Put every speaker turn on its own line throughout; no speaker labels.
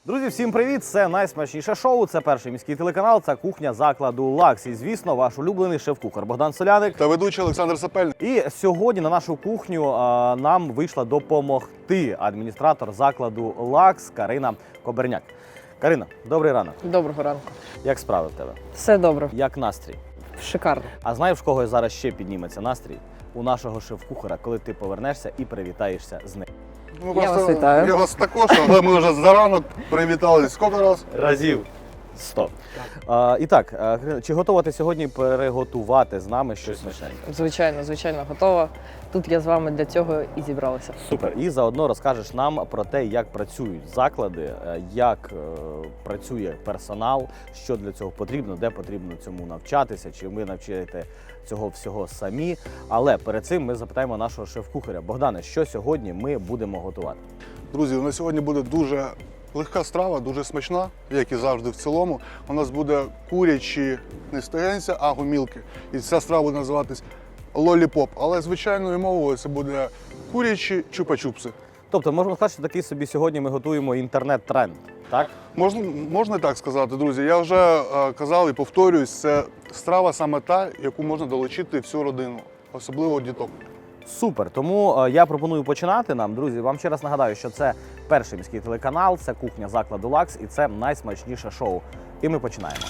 Друзі, всім привіт! Це найсмачніше шоу, це перший міський телеканал, це кухня закладу «Лакс». І, звісно, ваш улюблений шеф-кухар Богдан Соляник.
Та ведучий Олександр Сапельник.
І сьогодні на нашу кухню нам вийшла допомогти адміністратор закладу «Лакс» Карина Коберняк. Карина, добрий ранок.
Доброго ранку.
Як справи в тебе?
Все добре.
Як настрій?
Шикарно.
А знаєш, в кого зараз ще підніметься настрій? У нашого шеф-кухара, коли ти повернешся і привітаєшся з ним.
Я вас вітаю.
Я вас також, але ми вже заранок привітались. Скільки раз?
Разів 100. І так, Карина, чи готова ти сьогодні приготувати з нами щось смачненьке?
Звичайно, готова. Тут я з вами для цього і зібралася.
Супер. І заодно розкажеш нам про те, як працюють заклади, як працює персонал, що для цього потрібно, де потрібно цьому навчатися, чи ви навчаєте цього всього самі. Але перед цим ми запитаємо нашого шеф-кухаря. Богдане, що сьогодні ми будемо готувати?
Друзі, у нас сьогодні буде дуже легка страва, дуже смачна, як і завжди в цілому. У нас буде курячі не стегенця, а гомілки. І ця страва буде називатись лоліпоп. Але звичайною мовою це буде курячі чупа-чупси.
Тобто, можемо сказати, що такий собі сьогодні ми готуємо інтернет-тренд, так?
Можна і так сказати, друзі. Я вже казав і повторююсь, це страва саме та, яку можна долучити всю родину, особливо діток.
Супер, тому я пропоную починати нам. Друзі, вам ще раз нагадаю, що це перший міський телеканал, це кухня закладу «Лакс» і це найсмачніше шоу. І ми починаємо.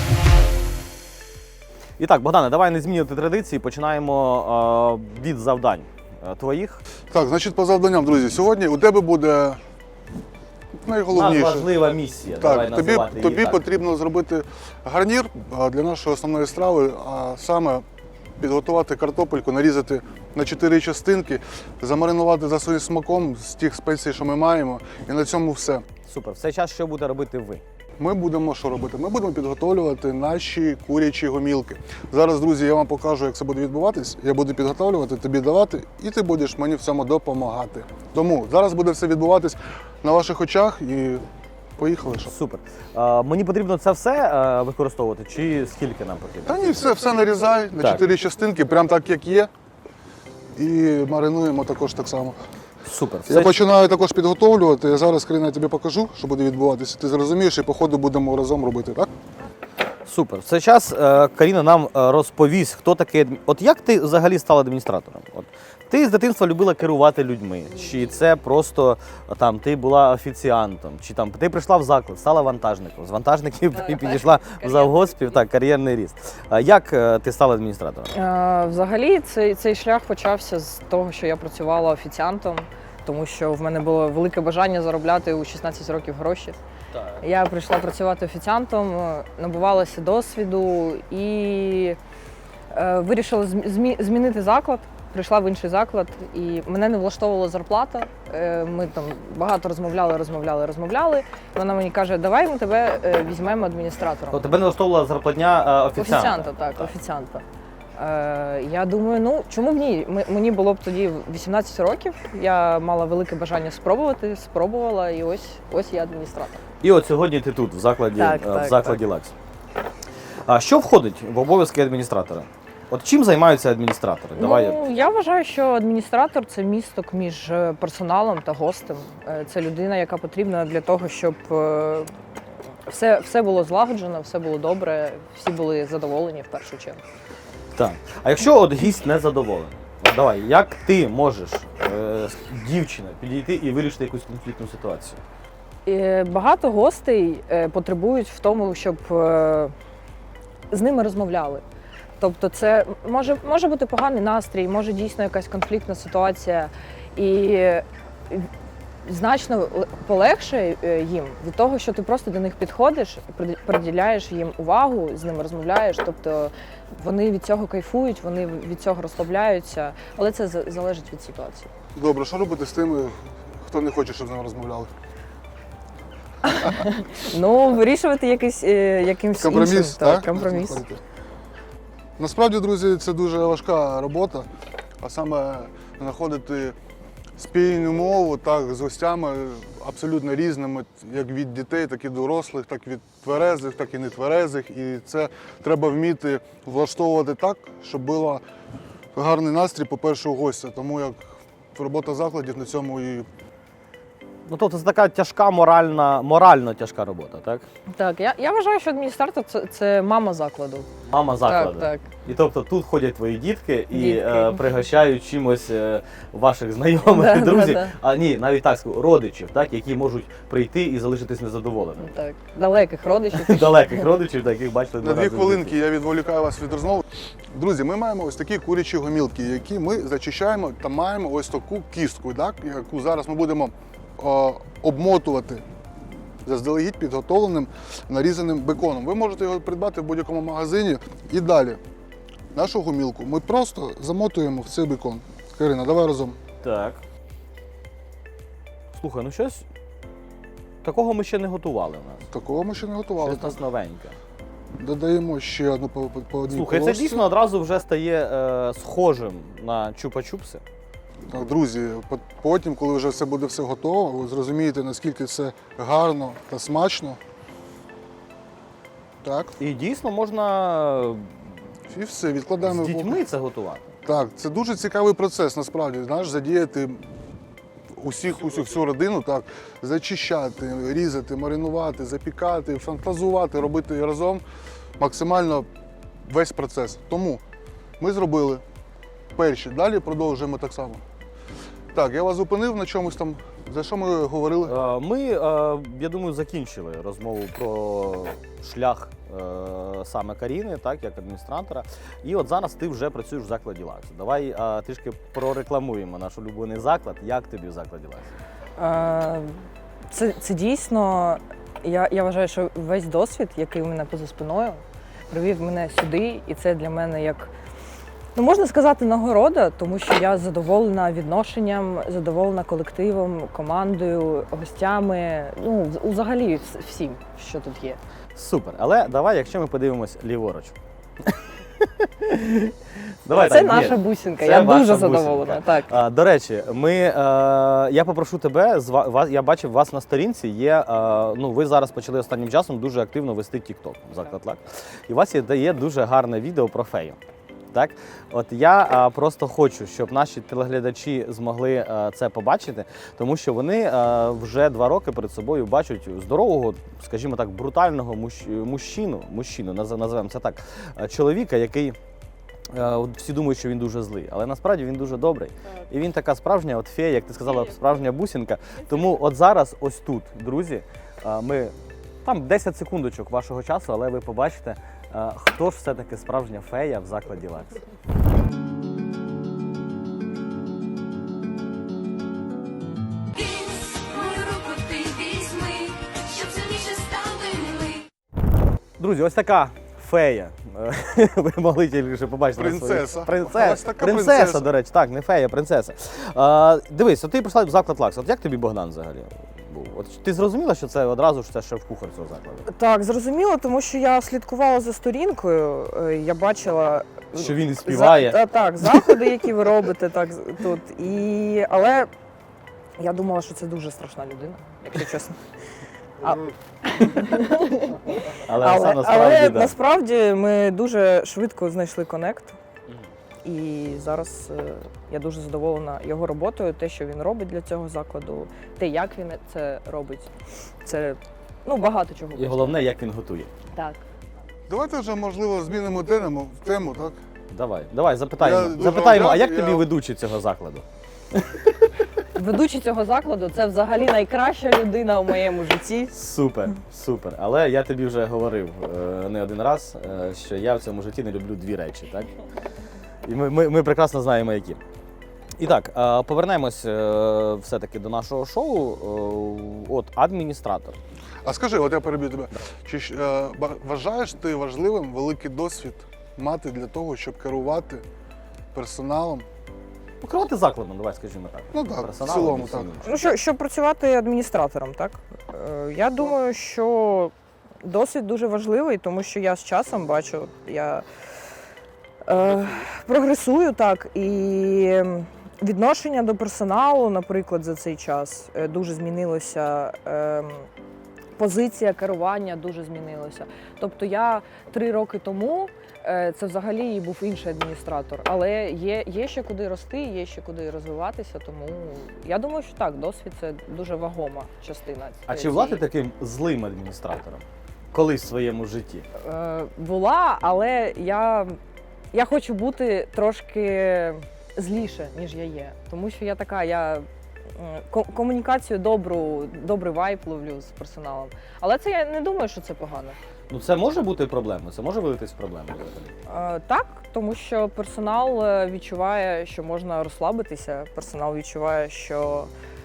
І так, Богдане, давай не змінювати традиції, починаємо від завдань твоїх.
Так, значить, по завданням, друзі, сьогодні у тебе буде найголовніше.
Важлива місія. Давай
Так,
називати її
тобі
так.
потрібно зробити гарнір для нашої основної страви, а саме підготувати картопельку, нарізати на 4 частинки, замаринувати за своїм смаком з тих спецій, що ми маємо, і на цьому все.
Супер. В цей час що буде робити ви?
Ми будемо що робити? Ми будемо підготовлювати наші курячі гомілки. Зараз, друзі, я вам покажу, як це буде відбуватись. Я буду підготовлювати, тобі давати, і ти будеш мені в цьому допомагати. Тому зараз буде все відбуватись на ваших очах і поїхали. Що?
Супер. Мені потрібно це все використовувати, чи скільки нам потрібно?
Та ні, все нарізай на
Так.
4 частинки, прям так, як є. І маринуємо також так само.
Супер.
Я починаю також підготовлювати. Я зараз, Карина, я тобі покажу, що буде відбуватися. Ти зрозумієш і по ходу будемо разом робити, так?
Супер. В цей час Каріна нам розповість, хто такий От як ти взагалі стала адміністратором? От ти з дитинства любила керувати людьми, чи це просто там ти була офіціантом, чи там ти прийшла в заклад, стала вантажником, з вантажників і підійшла в завгоспів, так, кар'єрний ріст. Як ти стала адміністратором?
Взагалі, цей шлях почався з того, що я працювала офіціантом, тому що в мене було велике бажання заробляти у 16 років гроші.
Так.
Я прийшла працювати офіціантом, набувалася досвіду і вирішила змінити заклад. Прийшла в інший заклад, і мене не влаштовувала зарплата. Ми там багато розмовляли. І вона мені каже, давай ми тебе візьмемо адміністратором.
То тебе не влаштовувала зарплатня офіціанта?
Офіціанта, так, офіціанта. Я думаю, ну чому б ні? Мені було б тоді 18 років, я мала велике бажання спробувати, спробувала, і ось я адміністратор.
І от сьогодні ти тут, в закладі, в закладі «Лакс». А що входить в обов'язки адміністратора? От чим займаються адміністратори?
Я вважаю, що адміністратор – це місток між персоналом та гостем. Це людина, яка потрібна для того, щоб все було злагоджено, все було добре, всі були задоволені в першу чергу.
Так. А якщо от гість не задоволений? От давай, як ти можеш, дівчина, підійти і вирішити якусь конфліктну ситуацію?
Багато гостей потребують в тому, щоб з ними розмовляли. Тобто це може бути поганий настрій, може дійсно якась конфліктна ситуація. І значно полегшає їм від того, що ти просто до них підходиш, приділяєш їм увагу, з ними розмовляєш. Тобто вони від цього кайфують, вони від цього розслабляються, але це залежить від ситуації.
Добре, що робити з тими, хто не хоче, щоб з ними розмовляли?
Ну, вирішувати якимсь
компроміс,
іншим.
так?
Компроміс.
Насправді, друзі, це дуже важка робота, а саме знаходити спільну мову так, з гостями абсолютно різними, як від дітей, так і дорослих, так і від тверезих, так і нетверезих. І це треба вміти влаштовувати так, щоб був гарний настрій, по-перше, у гостя. Тому як робота закладів на цьому і
Ну, тобто це така тяжка морально тяжка робота, так?
Так, я вважаю, що адміністратор це мама закладу.
Мама закладу.
Так, так.
І тобто тут ходять твої дітки і
Дітки.
пригощають чимось ваших знайомих
Да,
і друзів.
да, да.
А ні, навіть так скажу, родичів, так, які можуть прийти і залишитись незадоволеними.
Так, далеких родичів.
Далеких родичів, яких бачили
На
два
2
рази в
хвилинки
житті.
я відволікаю вас від розмови. Друзі, ми маємо ось такі курячі гомілки, які ми зачищаємо та маємо ось таку кістку, так, яку зараз ми будемо обмотувати заздалегідь підготовленим нарізаним беконом. Ви можете його придбати в будь-якому магазині. І далі нашу гомілку ми просто замотуємо в цей бекон. Карина, давай разом.
Так. Слухай, ну щось такого ми ще не готували в нас.
Такого ми ще не готували.
Щось у нас новеньке.
Додаємо ще одну по одній
Слухай, це
полосці.
дійсно одразу вже стає схожим на чупа-чупси.
Так, друзі, потім, коли вже все буде все готово, ви зрозумієте, наскільки це гарно та смачно. Так,
І дійсно можна
і все, відкладаємо.
з дітьми це готувати.
Так, це дуже цікавий процес, насправді, знаєш, задіяти всю родину, так, зачищати, різати, маринувати, запікати, фантазувати, робити разом максимально весь процес. Тому ми зробили перші, далі продовжуємо так само. Так, я вас зупинив на чомусь там, за що ми говорили?
Ми, я думаю, закінчили розмову про шлях саме Каріни, так, як адміністратора. І от зараз ти вже працюєш в закладі Лакс. Давай трішки прорекламуємо наш улюблений заклад. Як тобі в закладі Лакс?
Це дійсно, я вважаю, що весь досвід, який у мене поза спиною, привів мене сюди, і це для мене як, ну, можна сказати, нагорода, тому що я задоволена відношенням, задоволена колективом, командою, гостями, ну, взагалі всім, що тут є.
Супер. Але давай, якщо ми подивимось ліворуч. Давай,
Це
так,
наша
є.
бусинка,
Це
я
ваша
дуже
бусинка.
задоволена. Так.
До речі, я попрошу тебе, я бачив вас на сторінці, ну, ви зараз почали останнім часом дуже активно вести TikTok, заклад Лакс. І у вас є дуже гарне відео про фею. Так? От я просто хочу, щоб наші телеглядачі змогли це побачити, тому що вони вже 2 роки перед собою бачать здорового, скажімо так, брутального мужчину, називаємо це так, чоловіка, який всі думають, що він дуже злий, але насправді він дуже добрий. І він така справжня от фея, як ти сказала, справжня бусинка. Тому от зараз ось тут, друзі, там 10 секундочок вашого часу, але ви побачите, хто ж все-таки справжня фея в закладі Лакс.
Мою руку ти візьми, щоб сильніше стали ми.
Друзі, ось така фея. Ви могли тільки побачити. на своїй-
Принцеса.
Принцеса.
Ось така
Принцеса,
принцеса.
до речі, так, не фея, принцеса. Дивись, от ти прийшла в заклад Лакс. От як тобі Богдан взагалі був? От ти зрозуміла, що це одразу ж це шеф-кухар цього закладу?
Так, зрозуміло, тому що я слідкувала за сторінкою, я бачила.
Що він і співає.
Так, заходи, які ви робите так тут. Але я думала, що це дуже страшна людина, якщо чесно.
Але
Але
да.
насправді ми дуже швидко знайшли конект. І зараз я дуже задоволена його роботою, те, що він робить для цього закладу, те, як він це робить. Це багато чого.
І головне, як він готує.
Так.
Давайте вже, можливо, змінимо тему, так?
Давай, запитаємо.
Я дуже
Запитаємо,
вам
а як
дякую,
тобі
я-
ведучий цього закладу?
Ведучий цього закладу це взагалі найкраща людина у моєму житті.
Супер, супер. Але я тобі вже говорив не один раз, що я в цьому житті не люблю 2 речі, так? І ми прекрасно знаємо, які. І так, повернемось все-таки до нашого шоу. От адміністратор.
А скажи, от я переб'ю тебе. Чи вважаєш ти важливим великий досвід мати для того, щоб керувати персоналом?
Керувати закладом, давай скажімо так.
Ну так, в
Персоналом
цілому
і всім
так.
іншим.
Щоб працювати адміністратором, так? Я думаю, що досвід дуже важливий, тому що я з часом бачу, я прогресую, так, і відношення до персоналу, наприклад, за цей час дуже змінилося. позиція керування дуже змінилася. Тобто я 3 роки тому це взагалі і був інший адміністратор. Але є ще куди рости, є ще куди розвиватися, тому я думаю, що так, досвід це дуже вагома частина.
А чи була ти таким злим адміністратором колись в своєму житті?
Була, але я хочу бути трошки зліше, ніж я є. Тому що я така, комунікацію добрий вайб ловлю з персоналом. Але це я не думаю, що це погано.
Ну це може бути проблемою, це може вилитись в проблему взагалі?
Так, тому що персонал відчуває, що можна розслабитися, персонал відчуває, що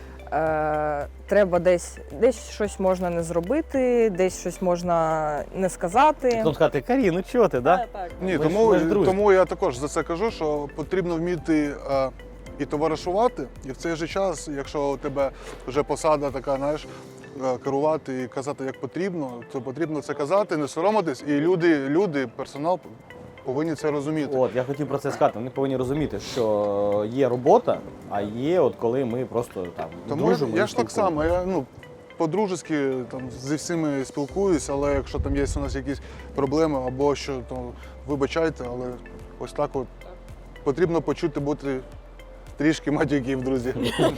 треба десь щось можна не зробити, десь щось можна не сказати.
Потім сказати, Карі, ну чого ти, да?
Так.
Ні,
Ми ж друзі.
тому я також за це кажу, що потрібно вміти і товаришувати, і в цей же час, якщо у тебе вже посада така, знаєш, керувати і казати як потрібно, то потрібно це казати, не соромитись, і люди, персонал повинні це розуміти.
От, я хотів про це сказати. Вони повинні розуміти, що є робота, а є от коли ми просто там
Тому
дружимо.
я
і
ж так
спілкуємося.
само, я по-дружески там зі всіми спілкуюсь, але якщо там є у нас якісь проблеми або що, то вибачайте, але ось так от потрібно почути бути трішки матюків, друзі.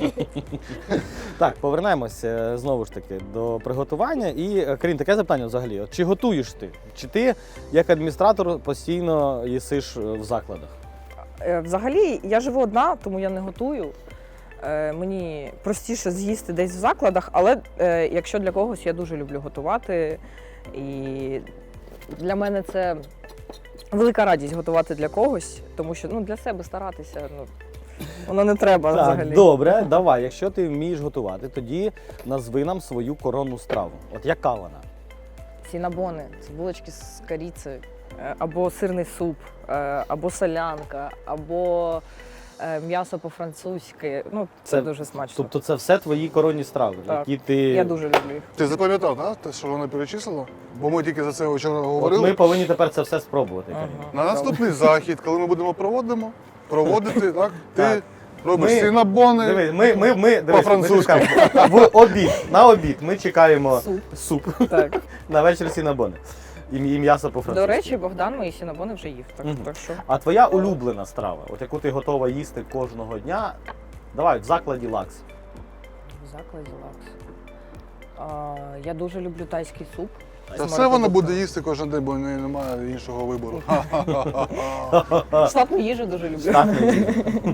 Так, повернемося знову ж таки до приготування. І, Карін, таке запитання взагалі. От, чи готуєш ти? Чи ти, як адміністратор, постійно їсиш в закладах?
Взагалі, я живу одна, тому я не готую. Мені простіше з'їсти десь в закладах, але якщо для когось, я дуже люблю готувати. І для мене це велика радість готувати для когось, тому що для себе старатися, воно не треба взагалі.
Так, добре, давай. Якщо ти вмієш готувати, тоді назви нам свою коронну страву. От яка вона?
Сінабони, це булочки з корицею, або сирний суп, або солянка, або м'ясо по-французьки. Це дуже смачно.
Тобто це все твої коронні страви,
Так.
які ти...
Я дуже люблю їх.
Ти запам'ятав, так, те, що вона перечислила? Бо ми тільки за це вчора
От
говорили.
ми повинні тепер це все спробувати. Карін.
На наступний захід, коли ми будемо проводити, так, ти
Так.
робиш
Ми-
сінабони.
Дивись, ми
По-французьки.
в обід ми чекаємо суп.
Так.
На вечір сінабони. І м'ясо по-французьки.
До речі, Богдан мої сінабони вже їв. Так що
А твоя улюблена страва, от яку ти готова їсти кожного дня, давай в закладі Лакс.
в закладі лакс. Я дуже люблю тайський суп.
Та все вона буде їсти кожен день, бо в неї немає іншого вибору.
Штатну їжу дуже люблю.
Так, ні.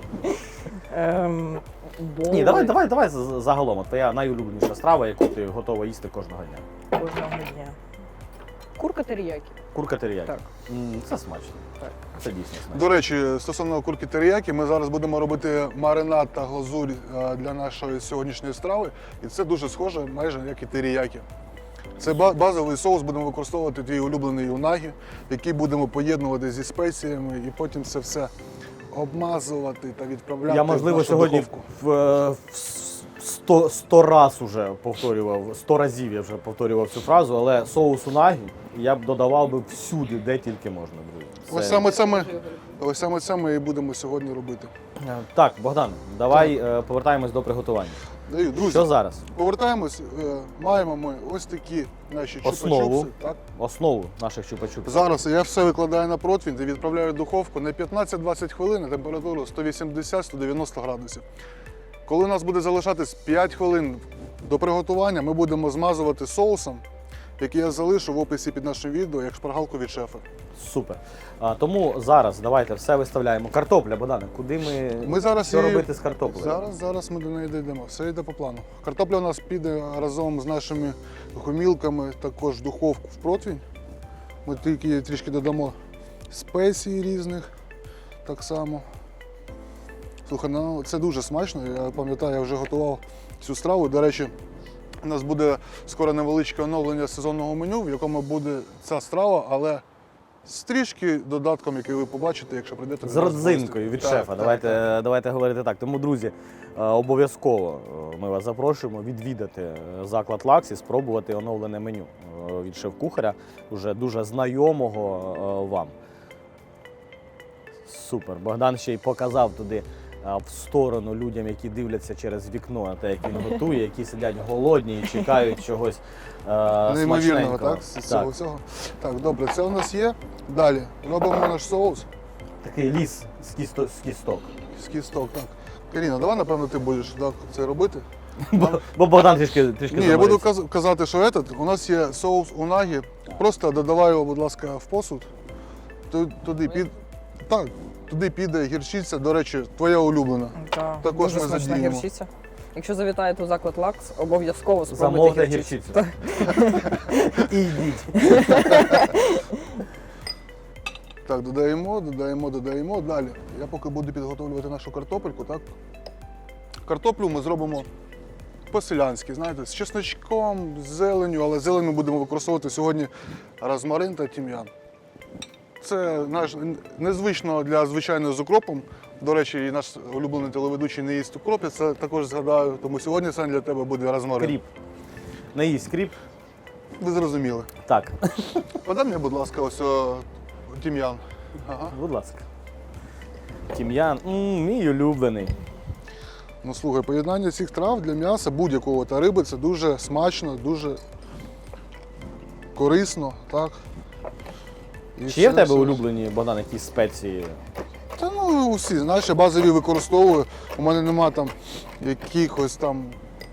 Боли
Ні, давай загалом. От твоя найулюбленіша страва, яку ти готова їсти кожного дня.
кожного дня. Курка теріякі.
Курка теріякі.
Так.
Це смачно.
Так.
Це дійсно смачно.
До речі, стосовно курки теріякі, ми зараз будемо робити маринад та глазурь для нашої сьогоднішньої страви. І це дуже схоже, майже як і теріякі. Це базовий соус, будемо використовувати твій улюблений унагі, який будемо поєднувати зі спеціями і потім це все обмазувати та відправляти
Я,
в
можливо,
нашу
сьогодні
духовку.
100 раз уже повторював, 100 разів я вже повторював цю фразу, але соус унагі я б додавав би всюди, де тільки можна, друзі.
Ось саме це ми і будемо сьогодні робити.
Так, Богдан, давай повертаємось до приготування.
Даю, друзі,
Що зараз?
повертаємось. Маємо ми ось такі наші
Основу.
чупа-чупси. Так?
Основу наших чупа-чупсів.
Зараз я все викладаю на противень та відправляю в духовку на 15-20 хвилин на температуру 180-190 градусів. Коли у нас буде залишатись 5 хвилин до приготування, ми будемо змазувати соусом, який я залишу в описі під нашим відео, як шпаргалку від шефа.
Супер. Тому зараз давайте все виставляємо. Картопля, Богдане, куди
Ми зараз
що
її-
робити з картоплею?
Зараз ми до неї дійдемо. Все йде по плану. Картопля у нас піде разом з нашими гомілками також в духовку в противень. Ми тільки трішки додамо спецій різних так само. Слухай, це дуже смачно. Я пам'ятаю, я вже готував цю страву. До речі, у нас буде скоро невеличке оновлення сезонного меню, в якому буде ця страва, але з трішки додатком, який ви побачите, якщо прийдете.
З
до нас в гості.
родзинкою від
Так,
шефа.
так, так.
Давайте говорити так. Тому, друзі, обов'язково ми вас запрошуємо відвідати заклад Лакс і спробувати оновлене меню від шеф-кухаря, уже дуже знайомого вам. Супер. Богдан ще й показав туди в сторону людям, які дивляться через вікно на те, як він готує, які сидять голодні і чекають чогось
Неймовірного,
смачненького.
так? З цього всього. Так, добре, це у нас є. Далі робимо наш соус
Такий ліс з кісток.
з кісток. Так. Каріна, давай, напевно, ти будеш так, це робити.
Бо Богдан трішки
Ні, я буду
заморився.
казати, що у нас є соус унагі. Просто додавай його, будь ласка, в посуд. Туди піде гірчиця, до речі, твоя улюблена.
Так,
Також
дуже
ми
смачна
задіємо.
гірчиця. Якщо завітаєте у заклад Лакс, обов'язково
Замовте
спробуйте гірчицю.
гірчицю. І йдіть.
Так, додаємо. Далі. Я поки буду підготовлювати нашу картопельку, так? Картоплю ми зробимо по-селянськи, знаєте, з чесночком, з зеленню, але зелень ми будемо використовувати сьогодні розмарин та тім'ян. Це наш незвично для звичайного з укропом. До речі, і наш улюблений телеведучий не їсть укроп, я це також згадаю, тому сьогодні саме для тебе буде розмарин.
Кріп. Не їсть кріп.
Ви зрозуміли.
Так,
Подай мені, будь ласка, ось тім'ян. Ага.
будь ласка. Тім'ян, мій улюблений.
Ну слухай, поєднання цих трав для м'яса будь-якого та риби це дуже смачно, дуже корисно, так? І
Чи є в
все-
тебе
все-
улюблені, Богдан, якісь спеції?
Та ну усі, знаєш, я базові використовую. У мене нема там якихось там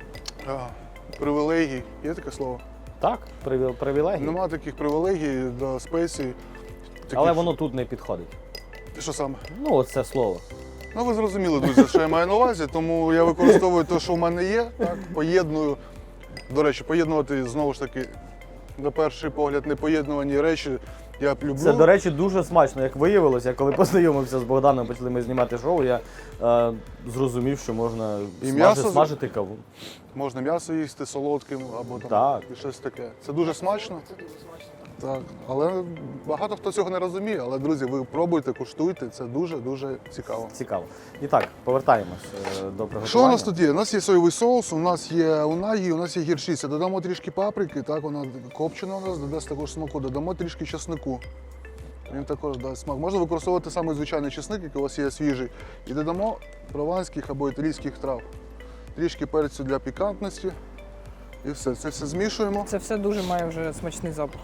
привілегій. Є таке слово?
Так, привілегії.
Нема таких привілегій до спецій.
Але воно тут не підходить.
Що саме?
Ну, оце слово.
Ну ви зрозуміли, друзі, що я маю на увазі, тому я використовую те, що в мене є, так, поєдную. До речі, поєднувати знову ж таки, на перший погляд, непоєднувані речі я б люблю.
Це, до речі, дуже смачно, як виявилося. Коли познайомився з Богданом, почали ми знімати шоу, я зрозумів, що можна
І м'ясо
смажити каву.
Можна м'ясо їсти солодким або там
Так.
щось таке. Це дуже смачно. Так, але багато хто цього не розуміє. Але, друзі, ви пробуйте, куштуйте, це дуже-дуже цікаво.
Цікаво. І так, повертаємось до приготування.
Що у нас тут є? У нас є соєвий соус, у нас є унагі, у нас є гірчиця. Додамо трішки паприки, так, вона копчена у нас, додасть також смаку. Додамо трішки чеснику. Він також дасть смак. Можна використовувати саме звичайний чесник, який у вас є свіжий. І додамо прованських або італійських трав. Трішки перцю для пікантності. І все. Це все змішуємо.
Це все дуже має вже смачний запах.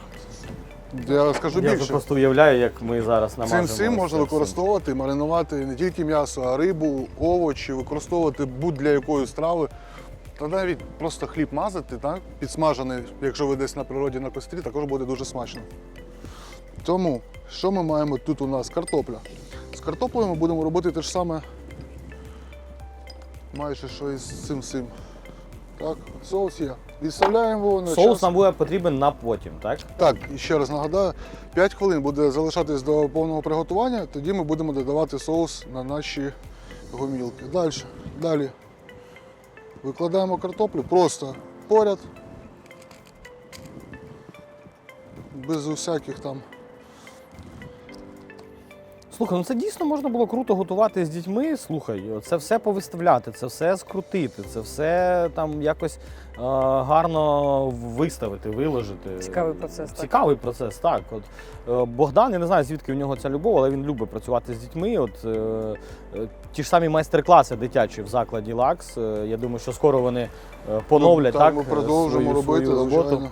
Я скажу
Я вже
більше.
просто уявляю, як ми зараз намажемо.
Цим всім можна
це все.
використовувати, маринувати не тільки м'ясо, а рибу, овочі, використовувати будь-для якої страви. Та навіть просто хліб мазати, так? Підсмажений, якщо ви десь на природі на кострі, також буде дуже смачно. Тому, що ми маємо тут у нас? Картопля. З картоплею ми будемо робити те ж саме, майже що і з цим всім. Так, соус є. Відставляємо його на
Соус
час.
нам буде потрібен на потім, так?
Так, і ще раз нагадаю, 5 хвилин буде залишатись до повного приготування, тоді ми будемо додавати соус на наші гомілки. Далі викладаємо картоплю просто поряд, без усяких там.
Слухай, ну це дійсно можна було круто готувати з дітьми. Слухай, це все повиставляти, це все скрутити, це все там якось гарно виставити, виложити.
Цікавий процес. Так.
Цікавий процес, так. От, Богдан, я не знаю, звідки в нього ця любов, але він любить працювати з дітьми. От, ті ж самі майстер-класи дитячі в закладі Лакс. Я думаю, що скоро вони поновлять так,
Ми продовжимо робити,
свою роботу.
звичайно.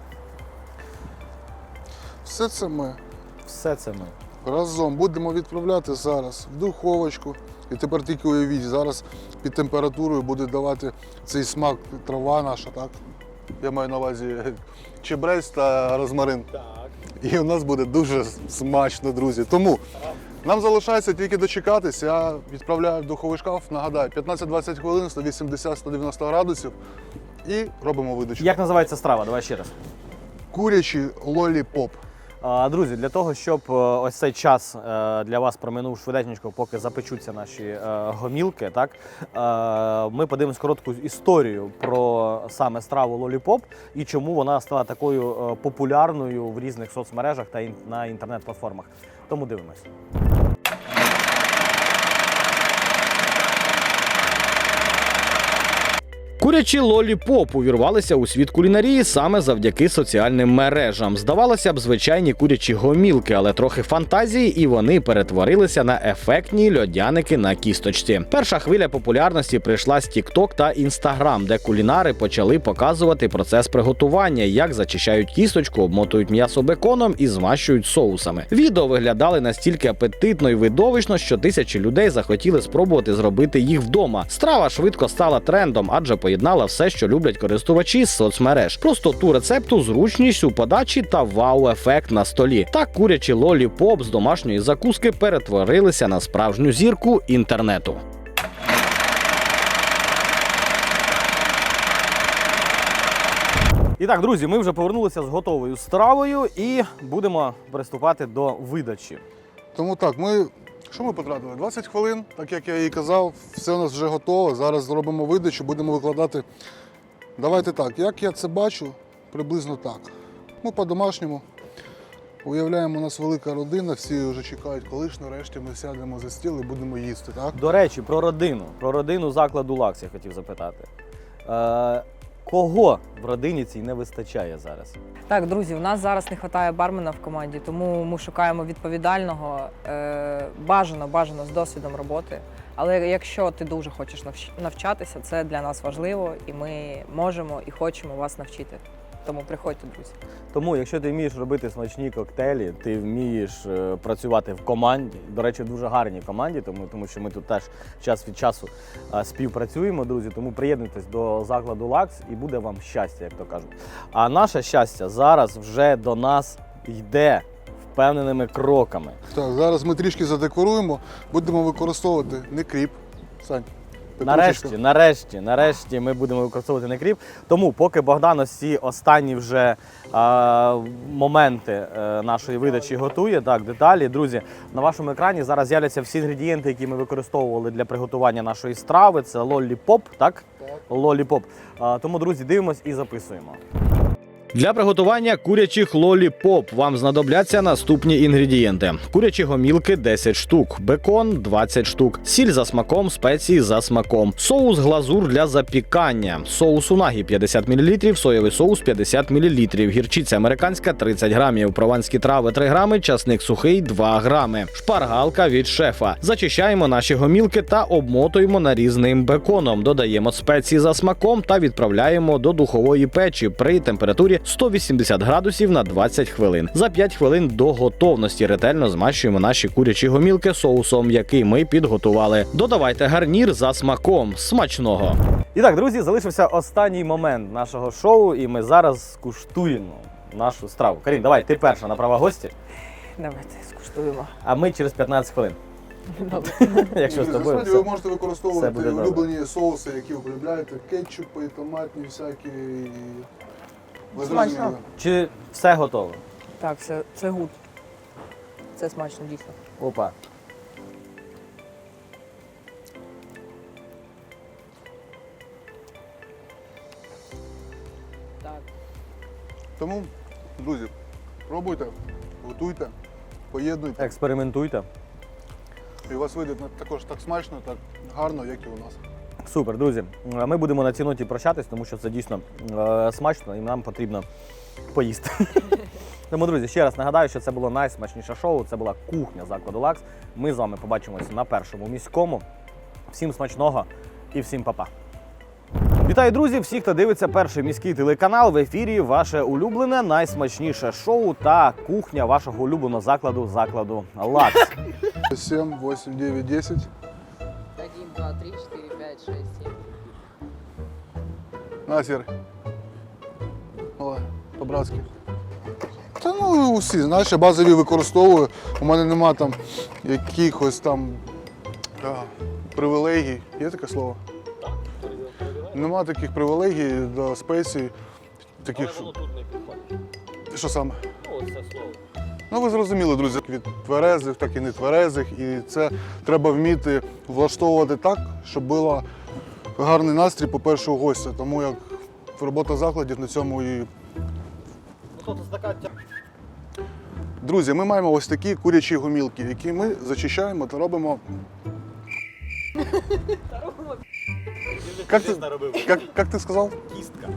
Все це ми
Все це ми.
разом будемо відправляти зараз в духовочку. І тепер тільки уявіть, зараз під температурою буде давати цей смак трава наша, так? Я маю на увазі чебрець та розмарин.
Так.
І у нас буде дуже смачно, друзі. Тому нам залишається тільки дочекатись. Я відправляю в духовий шкаф, нагадаю, 15-20 хвилин, 180-190 градусів і робимо видачу.
Як називається страва? Давай ще раз.
Курячий лолі-поп.
Друзі, для того, щоб ось цей час для вас проминув швиденько, поки запечуться наші гомілки, так, ми подивимось коротку історію про саме страву лолі-поп і чому вона стала такою популярною в різних соцмережах та на інтернет-платформах. Тому дивимось.
Курячі лолі-поп увірвалися у світ кулінарії саме завдяки соціальним мережам. Здавалося б, звичайні курячі гомілки, але трохи фантазії, і вони перетворилися на ефектні льодяники на кісточці. Перша хвиля популярності прийшла з TikTok та Instagram, де кулінари почали показувати процес приготування, як зачищають кісточку, обмотують м'ясо беконом і змащують соусами. Відео виглядали настільки апетитно і видовищно, що тисячі людей захотіли спробувати зробити їх вдома. Страва швидко стала трендом, адже поєднала все, що люблять користувачі з соцмереж. Простоту рецепту, зручність у подачі та вау-ефект на столі. Так курячі лолі-поп з домашньої закуски перетворилися на справжню зірку інтернету.
І так, друзі, ми вже повернулися з готовою стравою і будемо приступати до видачі.
Тому так, що ми потратили? 20 хвилин, так як я і казав, все у нас вже готово. Зараз зробимо видачу, будемо викладати. Давайте так, як я це бачу, приблизно так. Ми по-домашньому. Уявляємо, у нас велика родина, всі вже чекають, коли ж нарешті ми сядемо за стіл і будемо їсти, так?
До речі, про родину закладу «Лакс» я хотів запитати. Кого в родині цій не вистачає зараз?
Так, друзі, у нас зараз не вистачає бармена в команді, тому ми шукаємо відповідального, бажано з досвідом роботи. Але якщо ти дуже хочеш навчатися, це для нас важливо, і ми можемо і хочемо вас навчити. Тому приходьте, друзі.
Тому, якщо ти вмієш робити смачні коктейлі, ти вмієш працювати в команді, до речі, в дуже гарній команді, тому що ми тут теж час від часу співпрацюємо, друзі, тому приєднуйтесь до закладу «Лакс» і буде вам щастя, як то кажуть. А наше щастя зараз вже до нас йде впевненими кроками.
Так, зараз ми трішки задекоруємо, будемо використовувати не кріп. Сань,
Нарешті ми будемо використовувати не кріп. Тому поки Богдан ось ці останні вже моменти нашої видачі готує, так, деталі, друзі, на вашому екрані зараз з'являться всі інгредієнти, які ми використовували для приготування нашої страви. Це лолі-поп, так? Лолі-поп. Тому, друзі, дивимось і записуємо.
Для приготування курячих лолі-поп вам знадобляться наступні інгредієнти. Курячі гомілки 10 штук, бекон 20 штук, сіль за смаком, спеції за смаком, соус глазур для запікання, соус унагі 50 мл, соєвий соус 50 мл, гірчиця американська 30 грамів, прованські трави 3 грами, часник сухий 2 грами, шпаргалка від шефа. Зачищаємо наші гомілки та обмотуємо нарізним беконом, додаємо спеції за смаком та відправляємо до духової печі при температурі 180 градусів на 20 хвилин. За 5 хвилин до готовності ретельно змащуємо наші курячі гомілки соусом, який ми підготували. Додавайте гарнір за смаком. Смачного!
І так, друзі, залишився останній момент нашого шоу, і ми зараз скуштуємо нашу страву. Карін, давай, ти перша на права гості,
Давайте скуштуємо.
а ми через 15 хвилин.
Добре.
Якщо з тобою
Насправді
все.
ви можете використовувати
все буде добре.
улюблені соуси, які ви полюбляєте, кетчупи, томатні всякі. Ви
Смачно.
зрозуміли.
Чи все готово?
Так, це гуд. Це смачно, дійсно.
Опа.
Так.
Тому, друзі, пробуйте, готуйте, поєднуйте.
Експериментуйте.
І у вас вийде також так смачно, так гарно, як і у нас.
Супер, друзі. Ми будемо на цій ноті прощатись, тому що це дійсно смачно і нам потрібно поїсти. Тому, друзі, ще раз нагадаю, що це було найсмачніше шоу. Це була кухня закладу «Лакс». Ми з вами побачимося на першому міському. Всім смачного і всім па-па. Вітаю, друзі! Всі, хто дивиться перший міський телеканал, в ефірі ваше улюблене, найсмачніше шоу та кухня вашого улюбленого закладу «Лакс».
7, 8, 9, 10.
1, 2, 3, 4, 5, 6, 7.
На, Сір. Давай, по-братськи. Та ну усі, знаєш, я базові використовую. У мене нема там якихось там привілегій. Є таке слово? Так. Нема таких привілегій до спецій. Таких... Що саме? Ну, ви зрозуміли, друзі, від тверезих, так і нетверезих. І це треба вміти влаштовувати так, щоб був гарний настрій, по-перше, у гостя. Тому як робота закладів на цьому і... Друзі, ми маємо ось такі курячі гомілки, які ми зачищаємо та робимо... Як ти сказав?
Кістка.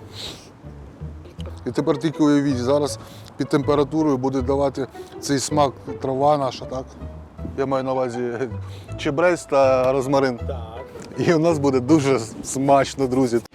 І тепер тільки уявіть, зараз під температурою буде давати цей смак трава наша, так? Я маю на увазі чебрець та розмарин.
Так.
І у нас буде дуже смачно, друзі.